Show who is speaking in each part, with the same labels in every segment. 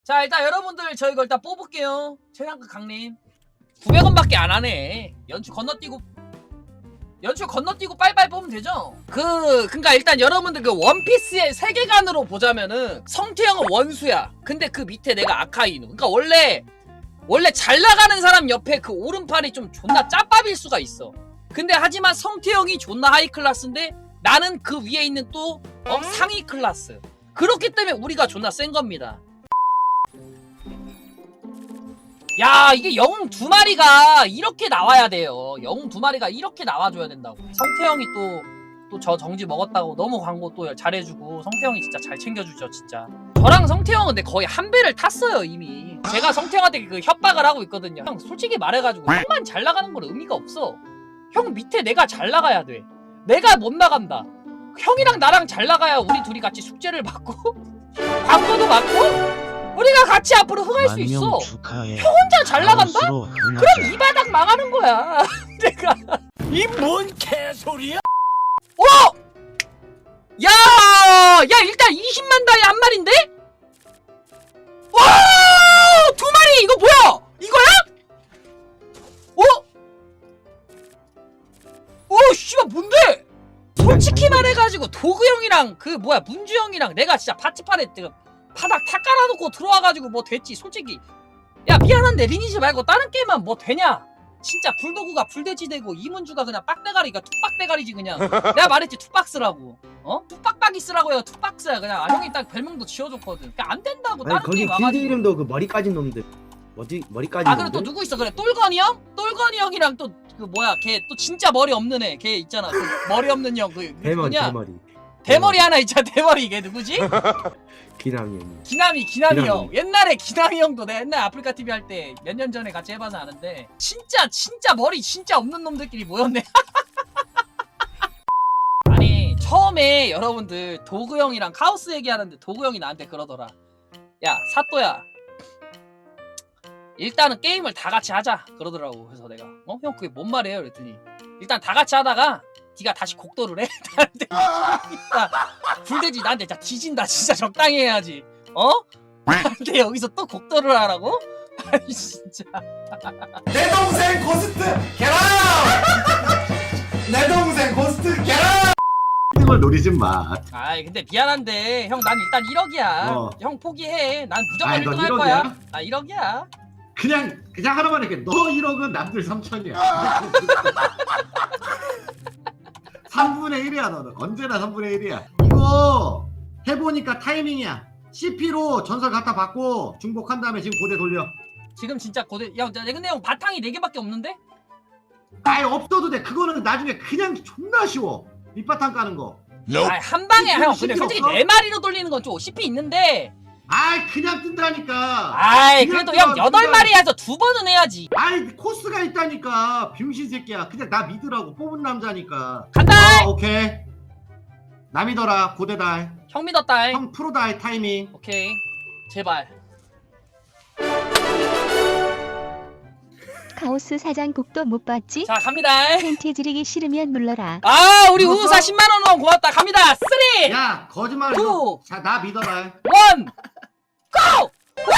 Speaker 1: 자, 일단 여러분들 저 이거 일단 뽑을게요. 최상급 강림 900원밖에 안 하네. 연출 건너뛰고 빨빨 뽑으면 되죠. 그니까 일단 여러분들 그 원피스의 세계관으로 보자면은 성태형은 원수야. 근데 그 밑에 내가 아카이누. 그니까 원래 잘 나가는 사람 옆에 그 오른팔이 좀 존나 짭밥일 수가 있어. 근데 하지만 성태형이 존나 하이 클래스인데 나는 그 위에 있는 또 상위 클래스. 그렇기 때문에 우리가 존나 센 겁니다. 야, 이게 영웅 2마리가 이렇게 나와야 돼요. 영웅 2마리가 이렇게 나와줘야 된다고. 성태형이 또 저 정지 먹었다고 너무 광고 또 잘해주고 성태형이 진짜 잘 챙겨주죠 진짜. 저랑 성태형은 근데 거의 한 배를 탔어요 이미. 제가 성태형한테 그 협박을 하고 있거든요. 형 솔직히 말해가지고 형만 잘 나가는 건 의미가 없어. 형 밑에 내가 잘 나가야 돼. 내가 못 나간다. 형이랑 나랑 잘 나가야 우리 둘이 같이 숙제를 받고 광고도 받고 우리가 같이 앞으로 흥할 수 있어.
Speaker 2: 축하해.
Speaker 1: 형 혼자 잘 나간다? 그럼 이 바닥 망하는 거야. 내가
Speaker 2: 이 뭔 개소리야?
Speaker 1: 야 일단 20만 다이 한 마리인데? 와 2마리 이거 뭐야? 이거야? 씨발 뭔데? 솔직히 말해가지고 도구 형이랑 그 뭐야 문주 형이랑 내가 진짜 파티판에 바닥 다 깔아놓고 들어와가지고 뭐 됐지 솔직히. 야 미안한데 리니지 말고 다른 게임만 뭐 되냐? 진짜 불도구가 불돼지 되고 이문주가 그냥 빡대가리가 툭박대가리지 그냥. 내가 말했지 툭박스라고. 툭박박이 쓰라고요. 툭박스야 그냥. 형이 딱 별명도 지어줬거든. 그러니까 안 된다고.
Speaker 3: 아니
Speaker 1: 다른
Speaker 3: 거기
Speaker 1: 게임
Speaker 3: 필드
Speaker 1: 와가지고.
Speaker 3: 이름도 그 머리 까진 놈들 뭐지? 머리 까진
Speaker 1: 아
Speaker 3: 놈들?
Speaker 1: 그래 또 누구 있어? 그래 똘건이 형? 똘건이 형이랑 또 그 뭐야 걔 또 진짜 머리 없는 애 걔 있잖아. 그 머리 없는 형 그
Speaker 3: 대머리
Speaker 1: 누구냐?
Speaker 3: 대머리
Speaker 1: 대머리 하나 있잖아. 대머리 걔 누구지?
Speaker 3: 기남이 형.
Speaker 1: 기남이 형. 옛날에 기남이 형도 내가 옛날 아프리카 TV 할 때 몇 년 전에 같이 해봐서 아는데 진짜 머리 진짜 없는 놈들끼리 모였네. 아니 처음에 여러분들 도구 형이랑 카오스 얘기하는데 도구 형이 나한테 그러더라. 야 사또야 일단은 게임을 다 같이 하자 그러더라고. 그래서 내가 형 그게 뭔 말이에요? 그랬더니 일단 다 같이 하다가 네가 다시 곡도를 해. 나한테 불대지 나한테 진짜 뒤진다. 진짜 적당히 해야지. 나한테 여기서 또 곡도를 하라고? 아니 진짜.
Speaker 4: 내 동생 고스트 계란! 내 동생 고스트 계란!
Speaker 5: 이런 걸 노리지 마.
Speaker 1: 아이 근데 미안한데 형 난 일단 1억이야. 형 포기해. 난 무조건
Speaker 5: 아이, 넌
Speaker 1: 1등 할
Speaker 5: 1억이야?
Speaker 1: 거야. 아 1억이야.
Speaker 5: 그냥 하나만 할게. 너 1억은 남들 3천이야. 3분의 1이야 너는. 언제나 3분의 1이야. 이거 해보니까 타이밍이야. CP로 전설 갖다 받고 중복한 다음에 지금 고대 돌려.
Speaker 1: 지금 진짜 고대. 야 근데 형 바탕이 4개밖에 없는데?
Speaker 5: 아예 없어도 돼. 그거는 나중에 그냥 존나 쉬워. 밑바탕 까는 거.
Speaker 1: 아 한 방에 형. 근데
Speaker 5: CP
Speaker 1: 솔직히
Speaker 5: 없어?
Speaker 1: 4마리로 돌리는 건 좀 CP 있는데.
Speaker 5: 아이 그냥 뜬다니까.
Speaker 1: 아이
Speaker 5: 그냥
Speaker 1: 그래도 형
Speaker 5: 뜬다,
Speaker 1: 8마리 해서 2번은 해야지.
Speaker 5: 아이 코스가 있다니까. 병신 새끼야. 그냥 나 믿으라고. 뽑은 남자니까.
Speaker 1: 간다.
Speaker 5: 오케이. 나 믿어라. 고대다.
Speaker 1: 형 믿었다.
Speaker 5: 형 프로다. 타이밍.
Speaker 1: 오케이 제발.
Speaker 6: 카오스 사장 곡도 못 봤지?
Speaker 1: 자 갑니다.
Speaker 6: 팬티 지르기 싫으면 눌러라.
Speaker 1: 아 우리
Speaker 5: 누웠어?
Speaker 1: 우사 10만원 원 고맙다. 갑니다. 3 2 1
Speaker 5: 야 거짓말.
Speaker 1: 투.
Speaker 5: 자 나 믿어라.
Speaker 1: 고!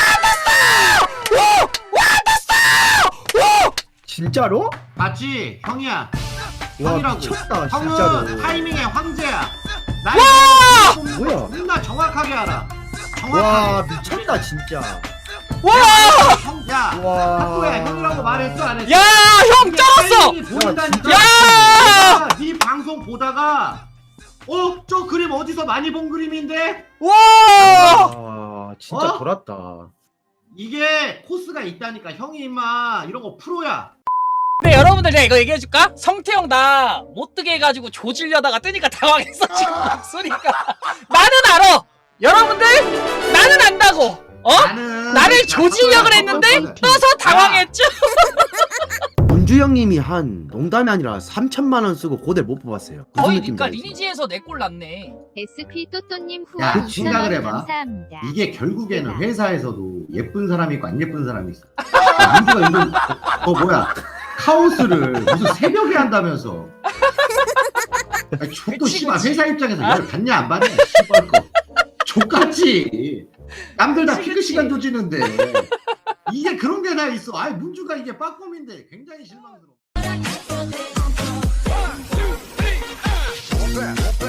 Speaker 3: 진짜로?
Speaker 5: 맞지? 형이야.
Speaker 3: 와
Speaker 5: 형이라고.
Speaker 3: 미쳤다
Speaker 5: 형은
Speaker 3: 진짜로.
Speaker 5: 타이밍의 황제야. 나
Speaker 3: 뭐야?
Speaker 5: 존나 정확하게 알아.
Speaker 3: 와
Speaker 5: 정확하게.
Speaker 3: 미쳤다 진짜.
Speaker 1: 와!
Speaker 5: 형, 야.
Speaker 3: 와.
Speaker 5: 학교야 형이라고 말했어 안 했어?
Speaker 1: 야, 형
Speaker 5: 이게
Speaker 1: 쩔었어!
Speaker 5: 타이밍이 보인다니까.
Speaker 1: 야!
Speaker 5: 내가 네 방송 보다가 저 그림 어디서 많이 본 그림인데?
Speaker 1: 와!
Speaker 3: 와 진짜
Speaker 5: 어?
Speaker 3: 돌았다.
Speaker 5: 이게 코스가 있다니까. 형이 임마 이런 거 프로야.
Speaker 1: 근데 여러분들 내가 이거 얘기해줄까? 성태형 나 못뜨게 해가지고 조질려다가 뜨니까 당황했어 지금 목소리가. 나는 알아! 여러분들 나는 안다고! 나를 조지려고 했는데 떠서 당황했죠?
Speaker 3: 문주 형님이 한 농담이 아니라 3천만 원 쓰고 고대 못 뽑았어요. 무슨
Speaker 1: 거의
Speaker 3: 느낌인지
Speaker 1: 그러니까
Speaker 3: 알지?
Speaker 1: 리니지에서 4골 났네.
Speaker 6: SP 또또님
Speaker 5: 야,
Speaker 6: 후원
Speaker 5: 생각을
Speaker 6: 2,000원
Speaker 5: 해봐.
Speaker 6: 감사합니다.
Speaker 5: 이게 결국에는 회사에서도 예쁜 사람이 있고 안 예쁜 사람이 있어. 야, 민주가 이거 뭐야? 카오스를 무슨 새벽에 한다면서? 족도
Speaker 1: 그치,
Speaker 5: 씨발
Speaker 1: 그치.
Speaker 5: 회사 입장에서 이걸 받냐 안 받냐? 씨발 거 족같지. 남들 다 피크 시간 조지는데 이게 그런 게 다 있어. 아이 문주가 이게 빠꼼인데 굉장히 실망스러워.